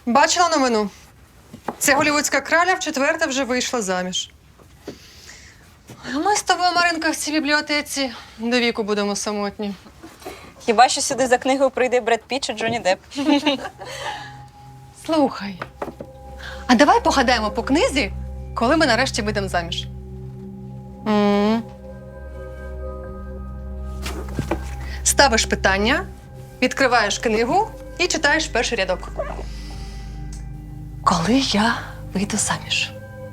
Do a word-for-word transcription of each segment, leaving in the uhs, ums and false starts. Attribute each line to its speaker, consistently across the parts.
Speaker 1: Бачила новину? Ця голівудська краля вчетверте вже вийшла заміж. Ми з тобою, Маринка, в цій бібліотеці до віку будемо самотні.
Speaker 2: Хіба що сюди за книгою прийде Бред Піт чи Джонні Депп.
Speaker 1: Слухай, а давай погадаємо по книзі, коли ми нарешті вийдемо заміж. М. Ставиш питання, відкриваєш книгу і читаєш перший рядок. Коли я вийду заміж?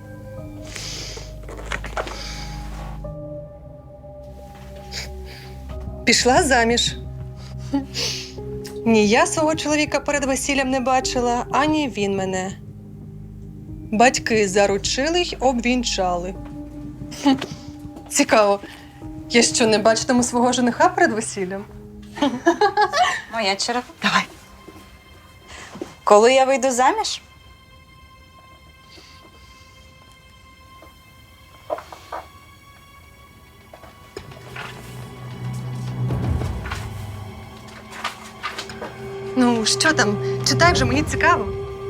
Speaker 1: Пішла заміж. Ні я свого чоловіка перед весіллям не бачила, ані він мене. Батьки заручили й обвінчали. Хм. Цікаво, я що, не бачитиму свого жениха перед весіллям?
Speaker 2: Моя черга.
Speaker 1: Давай.
Speaker 2: Коли я вийду заміж?
Speaker 1: Ну, що там? Читай вже, мені цікаво.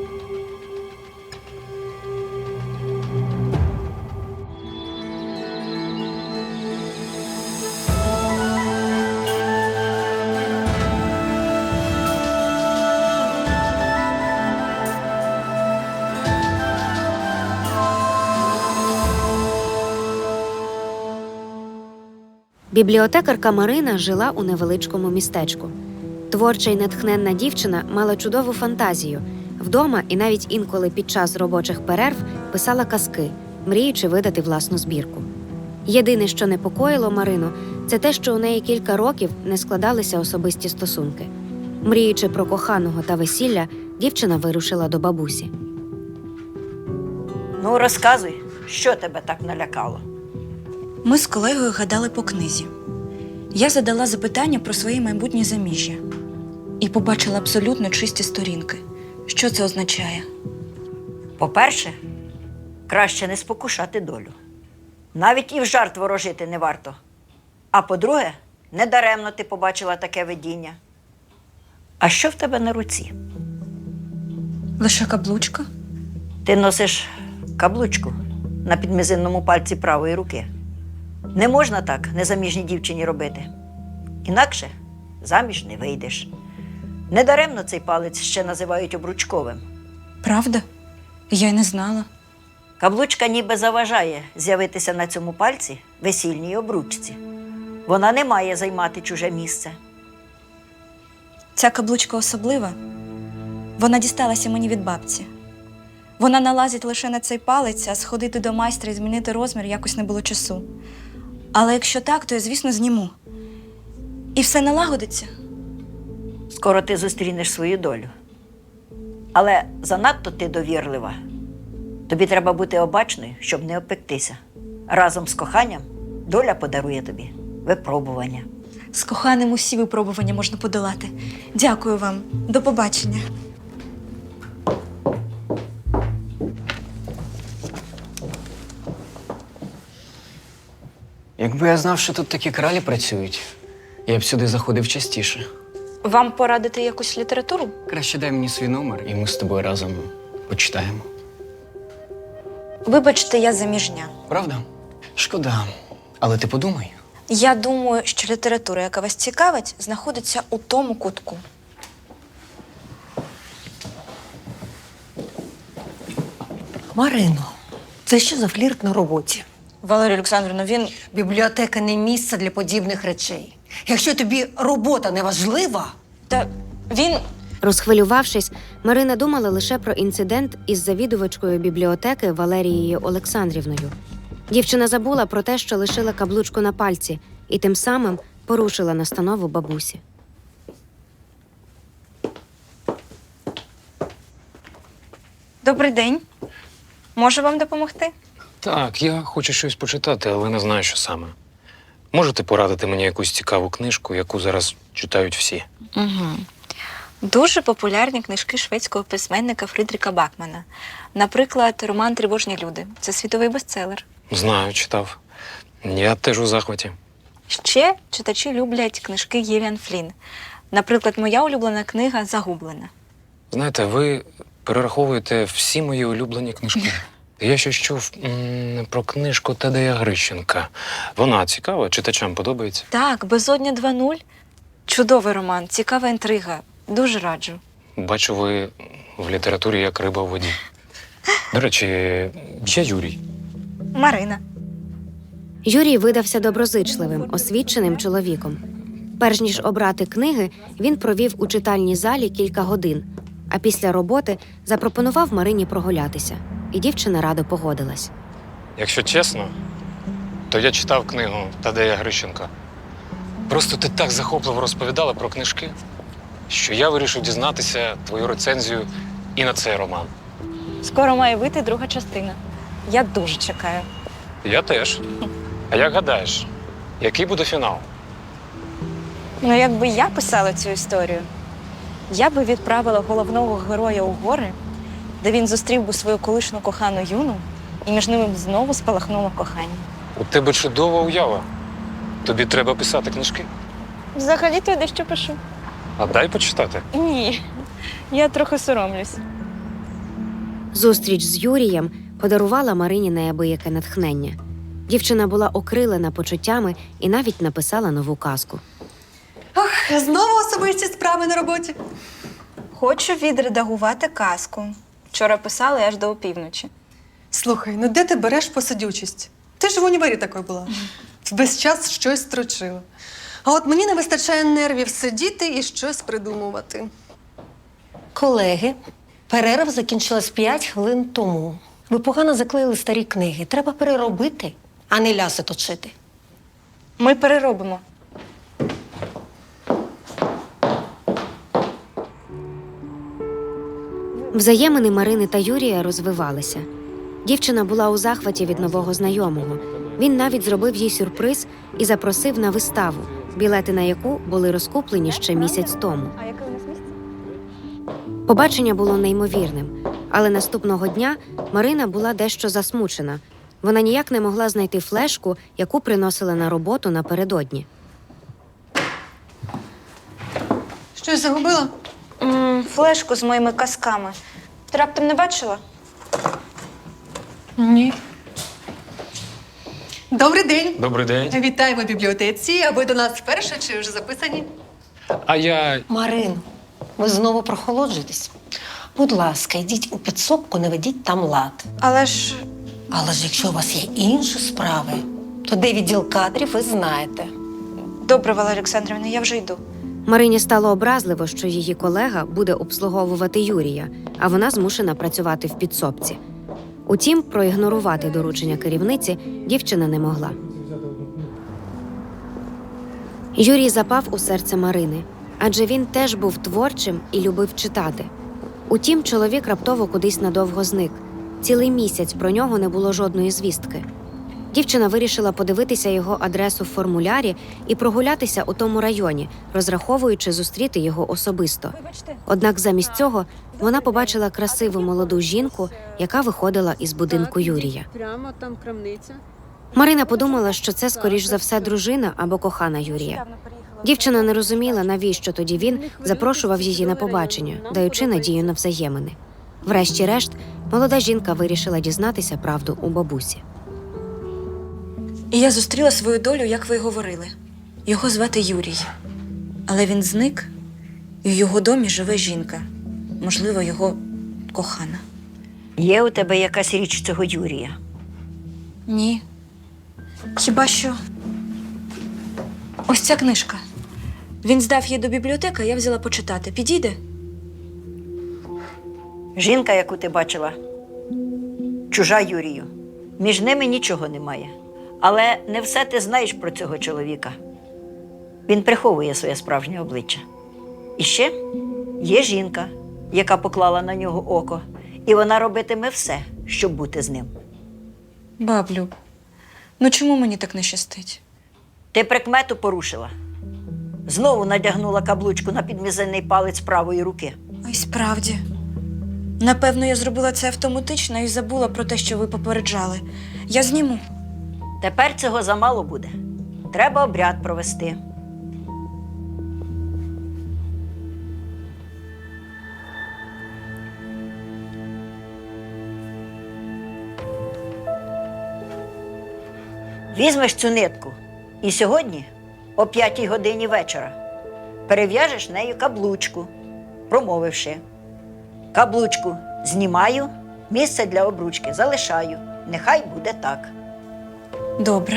Speaker 3: Бібліотекарка Марина жила у невеличкому містечку. Творча й натхненна дівчина мала чудову фантазію. Вдома і навіть інколи під час робочих перерв писала казки, мріючи видати власну збірку. Єдине, що непокоїло Марину, це те, що у неї кілька років не складалися особисті стосунки. Мріючи про коханого та весілля, дівчина вирушила до бабусі.
Speaker 4: Ну, розказуй, що тебе так налякало?
Speaker 5: Ми з колегою гадали по книзі. Я задала запитання про своє майбутнє заміжжя і побачила абсолютно чисті сторінки. Що це означає?
Speaker 4: По-перше, краще не спокушати долю. Навіть і в жарт ворожити не варто. А по-друге, недаремно ти побачила таке видіння. А що в тебе на руці?
Speaker 5: Лише каблучка?
Speaker 4: Ти носиш каблучку на підмізинному пальці правої руки. Не можна так незаміжній дівчині робити. Інакше заміж не вийдеш. Недаремно цей палець ще називають обручковим.
Speaker 5: Правда? Я й не знала.
Speaker 4: Каблучка ніби заважає з'явитися на цьому пальці весільній обручці. Вона не має займати чуже місце.
Speaker 5: Ця каблучка особлива. Вона дісталася мені від бабці. Вона налазить лише на цей палець, а сходити до майстра і змінити розмір якось не було часу. Але якщо так, то я, звісно, зніму. І все налагодиться.
Speaker 4: Скоро ти зустрінеш свою долю. Але занадто ти довірлива. Тобі треба бути обачною, щоб не обпектися. Разом з коханням доля подарує тобі випробування.
Speaker 5: З коханим усі випробування можна подолати. Дякую вам. До побачення.
Speaker 6: Якби я знав, що тут такі кралі працюють, я б сюди заходив частіше.
Speaker 2: Вам порадити якусь літературу?
Speaker 6: Краще дай мені свій номер, і ми з тобою разом почитаємо.
Speaker 5: Вибачте, я заміжня.
Speaker 6: Правда? Шкода. Але ти подумай.
Speaker 5: Я думаю, що література, яка вас цікавить, знаходиться у тому кутку.
Speaker 7: Марино, це що за флірт на роботі?
Speaker 5: Валерія Олександрівна, він…
Speaker 7: Бібліотека не місце для подібних речей. Якщо тобі робота не важлива…
Speaker 5: Та він…
Speaker 3: Розхвилювавшись, Марина думала лише про інцидент із завідувачкою бібліотеки Валерією Олександрівною. Дівчина забула про те, що лишила каблучку на пальці, і тим самим порушила настанову бабусі.
Speaker 2: Добрий день. Можу вам допомогти?
Speaker 8: Так, я хочу щось почитати, але не знаю, що саме. Можете порадити мені якусь цікаву книжку, яку зараз читають всі?
Speaker 2: Угу. Дуже популярні книжки шведського письменника Фрідріха Бакмана. Наприклад, роман «Тривожні люди». Це світовий бестселер.
Speaker 8: Знаю, читав. Я теж у захваті.
Speaker 2: Ще читачі люблять книжки Гіліан Флінн. Наприклад, моя улюблена книга «Загублена».
Speaker 8: Знаєте, ви перераховуєте всі мої улюблені книжки. Я ще чув м, про книжку Тадея Грищенка. Вона цікава, читачам подобається.
Speaker 2: Так, Безодня два нуль. Чудовий роман, цікава інтрига. Дуже раджу.
Speaker 8: Бачу, ви в літературі як риба в воді. До речі, я Юрій.
Speaker 2: Марина.
Speaker 3: Юрій видався доброзичливим, освіченим чоловіком. Перш ніж обрати книги, він провів у читальній залі кілька годин, а після роботи запропонував Марині прогулятися. І дівчина радо погодилась.
Speaker 8: Якщо чесно, то я читав книгу Тадея Грищенка. Просто ти так захопливо розповідала про книжки, що я вирішив дізнатися твою рецензію і на цей роман.
Speaker 2: Скоро має вийти друга частина. Я дуже чекаю.
Speaker 8: Я теж. А як гадаєш, який буде фінал?
Speaker 2: Ну, якби я писала цю історію, я би відправила головного героя у гори, де він зустрів би свою колишню кохану Юну, і між ними б знову спалахнуло кохання.
Speaker 8: У тебе чудова уява. Тобі треба писати книжки.
Speaker 2: Взагалі-то я дещо пишу.
Speaker 8: А дай почитати.
Speaker 2: Ні, я трохи соромлюсь.
Speaker 3: Зустріч з Юрієм подарувала Марині неабияке натхнення. Дівчина була окрилена почуттями і навіть написала нову казку.
Speaker 1: Ох, знову особисті справи на роботі.
Speaker 2: Хочу відредагувати казку. Вчора писала аж до опівночі.
Speaker 1: Слухай, ну де ти береш посидючість? Ти ж в універі такою була. Весь час щось строчила. А от мені не вистачає нервів сидіти і щось придумувати.
Speaker 7: Колеги, перерва закінчилась п'ять хвилин тому. Ви погано заклеїли старі книги. Треба переробити, а не ляси точити.
Speaker 2: Ми переробимо.
Speaker 3: Взаємини Марини та Юрія розвивалися. Дівчина була у захваті від нового знайомого. Він навіть зробив їй сюрприз і запросив на виставу, білети на яку були розкуплені ще місяць тому.
Speaker 2: А яке у нас місце?
Speaker 3: Побачення було неймовірним, але наступного дня Марина була дещо засмучена. Вона ніяк не могла знайти флешку, яку приносила на роботу напередодні.
Speaker 1: Щось загубила?
Speaker 2: М, флешку з моїми казками. Ти раптом не бачила?
Speaker 1: Ні. Добрий день.
Speaker 8: Добрий день.
Speaker 1: Вітаємо в бібліотеці. А ви до нас вперше чи вже записані?
Speaker 8: А я.
Speaker 7: Марин, ви знову прохолоджуєтесь? Будь ласка, йдіть у підсобку, не ведіть там лад.
Speaker 2: Але ж
Speaker 7: Але ж якщо у вас є інші справи, то де відділ кадрів, ви знаєте.
Speaker 2: добре, Валерія Олександрівна, я вже йду.
Speaker 3: Марині стало образливо, що її колега буде обслуговувати Юрія, а вона змушена працювати в підсобці. Утім, проігнорувати доручення керівниці дівчина не могла. Юрій запав у серце Марини, адже він теж був творчим і любив читати. Утім, чоловік раптово кудись надовго зник. Цілий місяць про нього не було жодної звістки. Дівчина вирішила подивитися його адресу в формулярі і прогулятися у тому районі, розраховуючи зустріти його особисто.
Speaker 2: Вибачте.
Speaker 3: Однак замість цього вона побачила красиву молоду жінку, яка виходила із будинку Юрія.
Speaker 9: Прямо там крамниця.
Speaker 3: Марина подумала, що це, скоріш за все, дружина або кохана Юрія. Дівчина не розуміла, навіщо тоді він запрошував її на побачення, даючи надію на взаємини. Врешті-решт, молода жінка вирішила дізнатися правду у бабусі.
Speaker 5: І я зустріла свою долю, як ви й говорили. Його звати Юрій. Але він зник, і в його домі живе жінка. Можливо, його кохана.
Speaker 4: Є у тебе якась річ цього Юрія?
Speaker 5: Ні. Хіба що ось ця книжка. Він здав її до бібліотеки, а я взяла почитати. Підійде?
Speaker 4: Жінка, яку ти бачила, чужа Юрію. Між ними нічого немає. Але не все ти знаєш про цього чоловіка. Він приховує своє справжнє обличчя. І ще є жінка, яка поклала на нього око, і вона робитиме все, щоб бути з ним.
Speaker 5: Баблю, ну чому мені так не щастить?
Speaker 4: Ти прикмету порушила. Знову надягнула каблучку на підмізинний палець правої руки.
Speaker 5: Ой, справді. Напевно, я зробила це автоматично і забула про те, що ви попереджали. Я зніму.
Speaker 4: Тепер цього замало буде. Треба обряд провести. Візьмеш цю нитку і сьогодні о п'ятій годині вечора перев'яжеш нею каблучку, промовивши: каблучку знімаю, місце для обручки залишаю. Нехай буде так.
Speaker 5: Добре.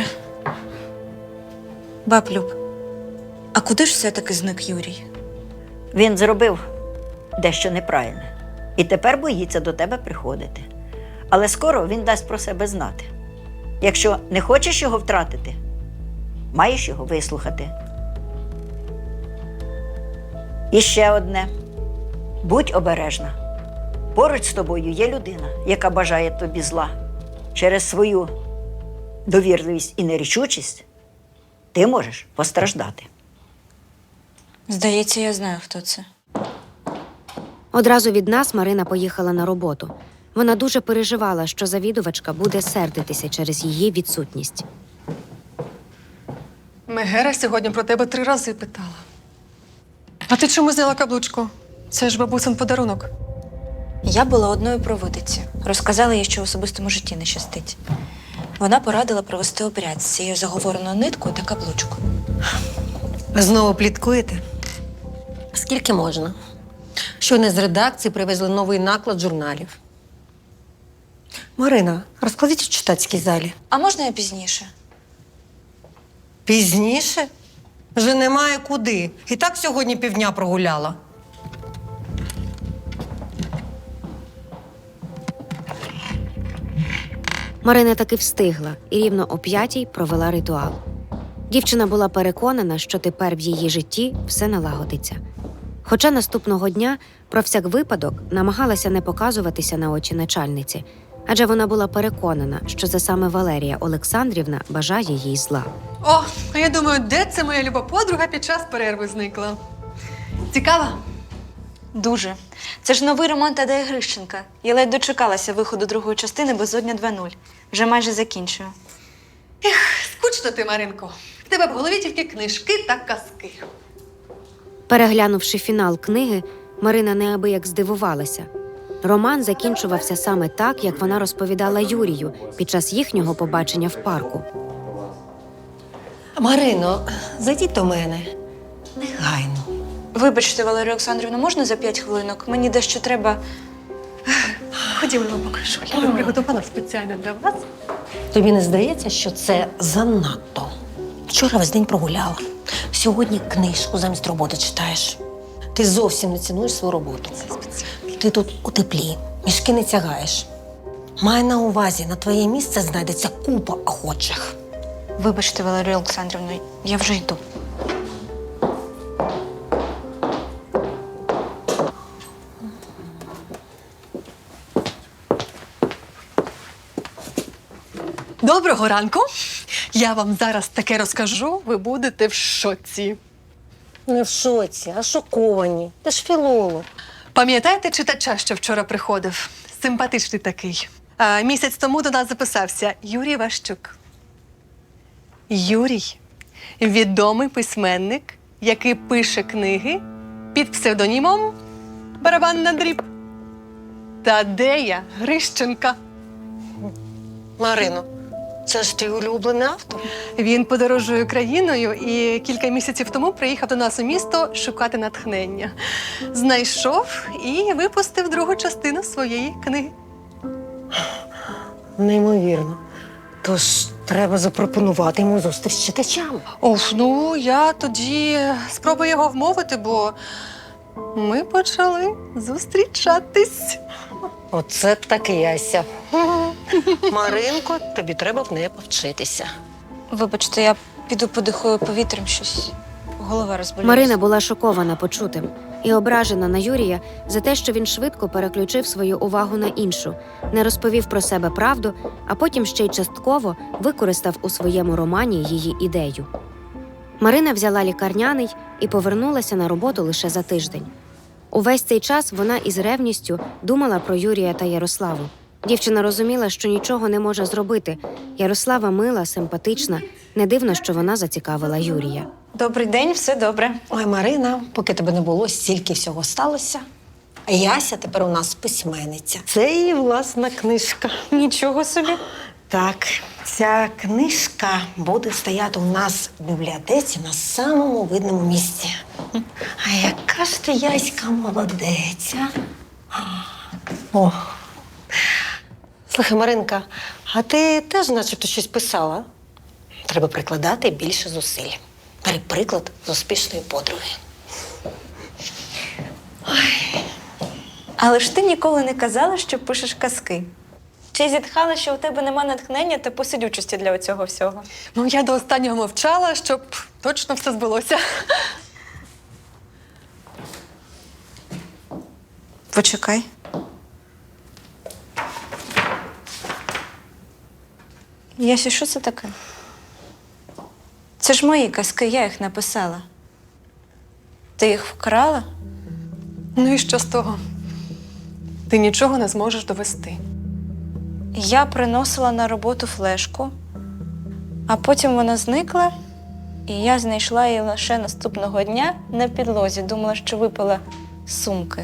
Speaker 5: Баб Люб, а куди ж все-таки зник Юрій?
Speaker 4: Він зробив дещо неправильне і тепер боїться до тебе приходити. Але скоро він дасть про себе знати. Якщо не хочеш його втратити, маєш його вислухати. І ще одне. Будь обережна. Поруч з тобою є людина, яка бажає тобі зла. Через свою довірливість і нерішучість ти можеш постраждати.
Speaker 5: Здається, я знаю, хто це.
Speaker 3: Одразу від нас Марина поїхала на роботу. Вона дуже переживала, що завідувачка буде сердитися через її відсутність.
Speaker 1: Мегера сьогодні про тебе три рази питала. А ти чому зняла каблучку? Це ж бабусин подарунок.
Speaker 5: Я була одною провидиці. Розказала їй, що в особистому житті не щастить. Вона порадила провести обряд з цією заговореною ниткою та каблучкою.
Speaker 7: Ви знову пліткуєте? Скільки можна? Щойно з редакції привезли новий наклад журналів. Марина, розкладіть в читацькій залі.
Speaker 5: А можна я пізніше?
Speaker 7: Пізніше? Вже немає куди. І так сьогодні півдня прогуляла.
Speaker 3: Марина таки встигла і рівно о п'ятій провела ритуал. Дівчина була переконана, що тепер в її житті все налагодиться. Хоча наступного дня про всяк випадок намагалася не показуватися на очі начальниці, адже вона була переконана, що це саме Валерія Олександрівна бажає їй зла.
Speaker 1: О, а я думаю, де це моя люба подруга під час перерви зникла? Цікава?
Speaker 5: Дуже. Це ж новий роман Тадея Грищенка. Я ледь дочекалася виходу другої частини «Безодня два нуль». Вже майже закінчую.
Speaker 1: Скучно ти, Маринко. В тебе в голові тільки книжки та казки.
Speaker 3: Переглянувши фінал книги, Марина неабияк здивувалася. Роман закінчувався саме так, як вона розповідала Юрію під час їхнього побачення в парку.
Speaker 7: Марино, зайдіть до мене. Негайно.
Speaker 5: Вибачте, Валерію Олександрівну, можна за п'ять хвилинок? Мені дещо треба.
Speaker 1: Ходімо, я вам покажу. Я тут приготувала спеціально для вас.
Speaker 7: Тобі не здається, що це занадто? Вчора весь день прогуляла. Сьогодні книжку замість роботи читаєш. Ти зовсім не цінуєш свою роботу. Ти тут у теплі, мішки не тягаєш. Май на увазі, на твоє місце знайдеться купа охочих.
Speaker 5: Вибачте, Валерію Олександрівну, я вже йду.
Speaker 1: Доброго ранку. Я вам зараз таке розкажу, ви будете в шоці.
Speaker 7: Не в шоці, а шоковані. Ти ж філолог.
Speaker 1: Пам'ятаєте читача, що вчора приходив? Симпатичний такий. А, місяць тому до нас записався Юрій Ващук. Юрій – відомий письменник, який пише книги під псевдонімом «Барабан на дріб» Тадея Грищенка.
Speaker 7: Марино, це ж твій улюблений автор.
Speaker 1: Він подорожує країною і кілька місяців тому приїхав до нас у місто шукати натхнення. Знайшов і випустив другу частину своєї книги.
Speaker 7: Неймовірно. Тож треба запропонувати йому зустріч з читачами.
Speaker 1: Оф, ну я тоді спробую його вмовити, бо ми почали зустрічатись.
Speaker 7: Оце таки яся. Маринко, тобі треба в неї повчитися.
Speaker 5: Вибачте, я піду подихаю повітрям, щось голова розболілася.
Speaker 3: Марина була шокована почутим і ображена на Юрія за те, що він швидко переключив свою увагу на іншу, не розповів про себе правду, а потім ще й частково використав у своєму романі її ідею. Марина взяла лікарняний і повернулася на роботу лише за тиждень. Увесь цей час вона із ревністю думала про Юрія та Ярославу. Дівчина розуміла, що нічого не може зробити. Ярослава мила, симпатична, не дивно, що вона зацікавила Юрія.
Speaker 5: Добрий день, все добре.
Speaker 7: Ой, Марина, поки тебе не було, стільки всього сталося. А Яся тепер у нас письменниця. Це її власна книжка.
Speaker 5: Нічого собі.
Speaker 7: Так, ця книжка буде стояти у нас в бібліотеці на самому видному місці. А яка ж ти, Яська, молодець, а? О. Слухай, Маринка, а ти теж начебто щось писала? Треба прикладати більше зусиль. Бери приклад з успішної подруги.
Speaker 5: Але ж ти ніколи не казала, що пишеш казки. Чи зітхала, що у тебе нема натхнення та посидючості для цього всього?
Speaker 1: Ну, я до останнього мовчала, щоб точно все збулося.
Speaker 5: Почекай. Ясю, що це таке? Це ж мої казки, я їх написала. Ти їх вкрала?
Speaker 1: Ну і що з того? Ти нічого не зможеш довести.
Speaker 5: Я приносила на роботу флешку, а потім вона зникла, і я знайшла її лише наступного дня на підлозі. Думала, що випила з сумки.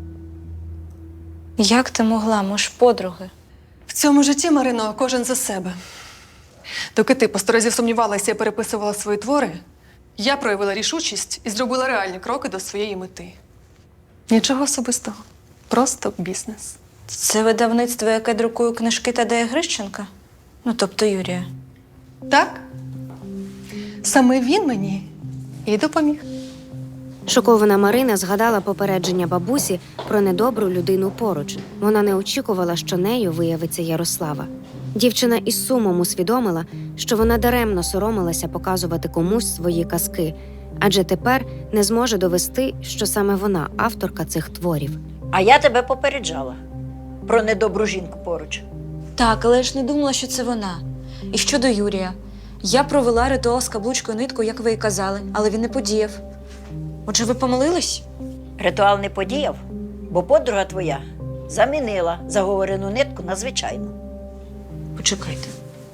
Speaker 5: Як ти могла, ми ж подруги?
Speaker 1: В цьому житті, Марино, кожен за себе. Доки ти по сто разів сумнівалася і переписувала свої твори, я проявила рішучість і зробила реальні кроки до своєї мети. Нічого особистого. Просто бізнес.
Speaker 5: Це видавництво, яке друкує книжки Тадея Грищенка? Ну, тобто Юрія.
Speaker 1: Так? Саме він мені і допоміг.
Speaker 3: Шокована Марина згадала попередження бабусі про недобру людину поруч. Вона не очікувала, що нею виявиться Ярослава. Дівчина із сумом усвідомила, що вона даремно соромилася показувати комусь свої казки, адже тепер не зможе довести, що саме вона авторка цих творів.
Speaker 4: А я тебе попереджала про недобру жінку поруч.
Speaker 5: Так, але я ж не думала, що це вона. І щодо Юрія. Я провела ритуал з каблучкою ниткою, як ви і казали, але він не подіяв. Отже, ви помилились?
Speaker 4: Ритуал не подіяв, бо подруга твоя замінила заговорену нитку на звичайну.
Speaker 5: Почекайте.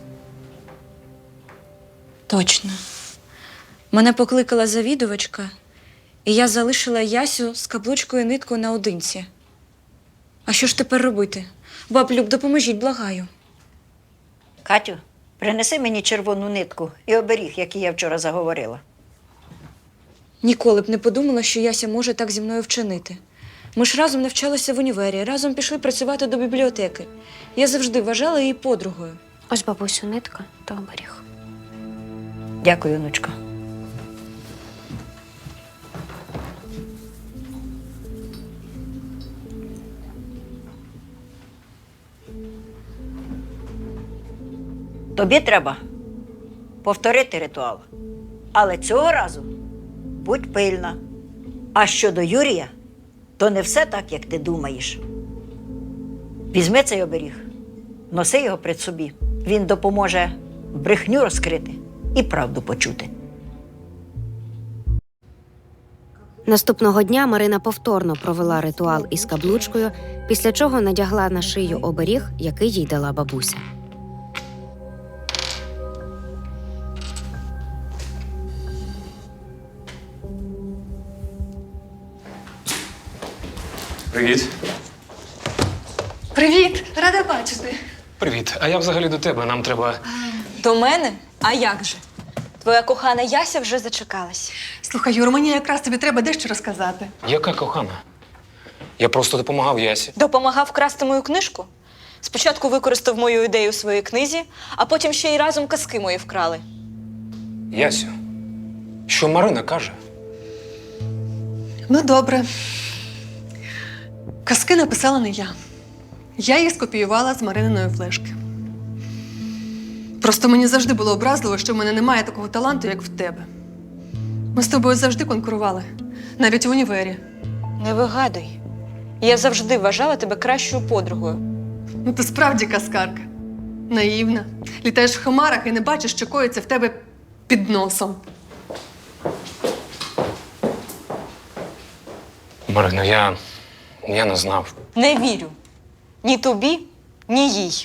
Speaker 5: Точно. Мене покликала завідувачка, і я залишила Ясю з каблучкою ниткою наодинці. А що ж тепер робити? Баб Люб, допоможіть, благаю.
Speaker 4: Катю, принеси мені червону нитку і оберіг, який я вчора заговорила.
Speaker 5: Ніколи б не подумала, що Яся може так зі мною вчинити. Ми ж разом навчалися в універі, разом пішли працювати до бібліотеки. Я завжди вважала її подругою.
Speaker 3: Ось, бабусю, нитка та оберіг.
Speaker 4: Дякую, онучко. Тобі треба повторити ритуал. Але цього разу будь пильна. А щодо Юрія, то не все так, як ти думаєш. Візьми цей оберіг, носи його при собі. Він допоможе брехню розкрити і правду почути.
Speaker 3: Наступного дня Марина повторно провела ритуал із каблучкою, після чого надягла на шию оберіг, який їй дала бабуся.
Speaker 8: Привіт.
Speaker 1: Привіт! Рада бачити.
Speaker 8: Привіт. А я взагалі до тебе. Нам треба.
Speaker 5: До мене? А як же? Твоя кохана Яся вже зачекалась.
Speaker 1: Слухай, Юр, мені якраз тобі треба дещо розказати.
Speaker 8: Яка кохана? Я просто допомагав Ясі.
Speaker 5: Допомагав вкрасти мою книжку? Спочатку використав мою ідею у своїй книзі, а потім ще й разом казки мої вкрали.
Speaker 8: Ясю, що Марина каже?
Speaker 1: Ну, добре. Казки написала не я. Я їх скопіювала з Марининої флешки. Просто мені завжди було образливо, що в мене немає такого таланту, як в тебе. Ми з тобою завжди конкурували, навіть в універі.
Speaker 5: Не вигадуй. Я завжди вважала тебе кращою подругою.
Speaker 1: Ну, ти справді казкарка. Наївна. Літаєш в хмарах і не бачиш, що коїться в тебе під носом.
Speaker 8: Марино, я. я не знав.
Speaker 5: Не вірю. Ні тобі, ні їй.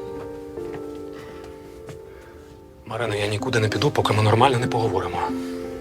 Speaker 8: Марино, я нікуди не піду, поки ми нормально не поговоримо.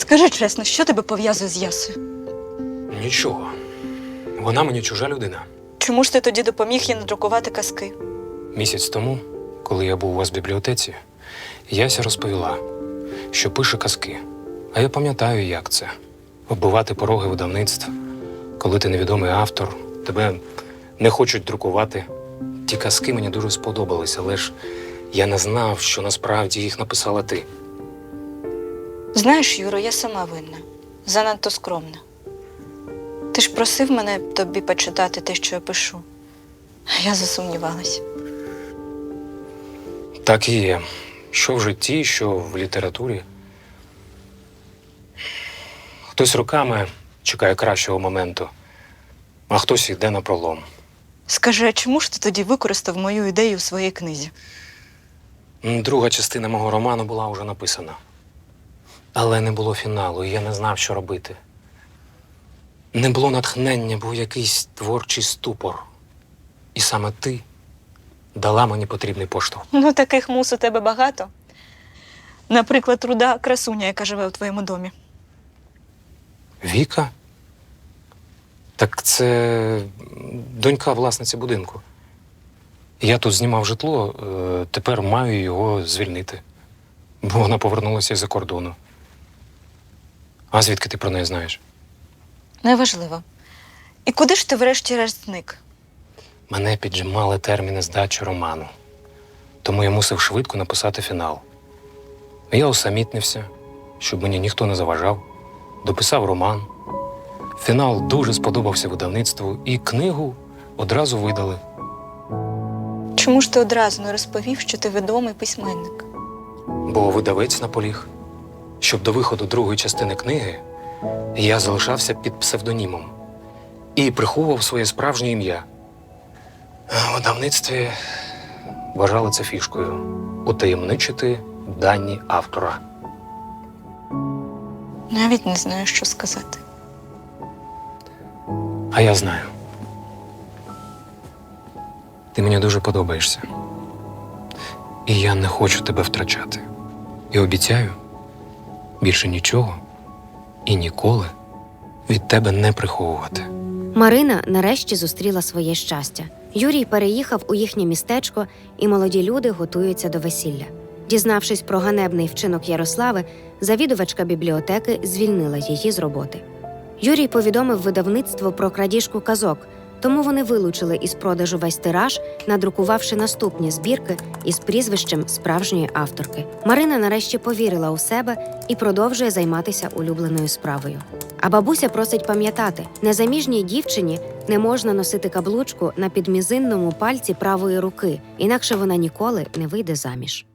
Speaker 5: Скажи чесно, що тебе пов'язує з Ясою?
Speaker 8: Нічого. Вона мені чужа людина.
Speaker 5: Чому ж ти тоді допоміг їй надрукувати казки?
Speaker 8: Місяць тому, коли я був у вас в бібліотеці, Яся розповіла, що пише казки. А я пам'ятаю, як це – оббивати пороги видавництв, коли ти невідомий автор, тебе не хочуть друкувати. Ті казки мені дуже сподобались, але ж я не знав, що насправді їх написала ти.
Speaker 5: Знаєш, Юро, я сама винна. Занадто скромна. Ти ж просив мене тобі почитати те, що я пишу. А я засумнівалась.
Speaker 8: Так і є. Що в житті, що в літературі. Хтось роками чекає кращого моменту, а хтось йде на пролом.
Speaker 5: Скажи, а чому ж ти тоді використав мою ідею у своїй книзі?
Speaker 8: Друга частина мого роману була вже написана. Але не було фіналу, і я не знав, що робити. Не було натхнення, був якийсь творчий ступор. І саме ти дала мені потрібний поштовх.
Speaker 5: Ну, таких мус у тебе багато. Наприклад, руда красуня, яка живе у твоєму домі.
Speaker 8: Віка? Так це донька власниці будинку. Я тут знімав житло, е, тепер маю його звільнити. Бо вона повернулася із-за кордону. А звідки ти про неї знаєш?
Speaker 5: Неважливо. І куди ж ти врешті-решт зник?
Speaker 8: Мене піджимали терміни здачі роману. Тому я мусив швидко написати фінал. Я усамітнився, щоб мені ніхто не заважав. Дописав роман. Фінал дуже сподобався видавництву, і книгу одразу видали.
Speaker 5: Чому ж ти одразу не розповів, що ти відомий письменник?
Speaker 8: Бо видавець наполіг, щоб до виходу другої частини книги я залишався під псевдонімом і приховував своє справжнє ім'я. А в видавництві вважали це фішкою – утаємничити дані автора.
Speaker 5: Навіть не знаю, що сказати.
Speaker 8: А я знаю. Ти мені дуже подобаєшся. І я не хочу тебе втрачати. І обіцяю, більше нічого і ніколи від тебе не приховувати.
Speaker 3: Марина нарешті зустріла своє щастя. Юрій переїхав у їхнє містечко, і молоді люди готуються до весілля. Дізнавшись про ганебний вчинок Ярослави, завідувачка бібліотеки звільнила її з роботи. Юрій повідомив видавництво про крадіжку казок, тому вони вилучили із продажу весь тираж, надрукувавши наступні збірки із прізвищем справжньої авторки. Марина нарешті повірила у себе і продовжує займатися улюбленою справою. А бабуся просить пам'ятати, незаміжній дівчині не можна носити каблучку на підмізинному пальці правої руки, інакше вона ніколи не вийде заміж.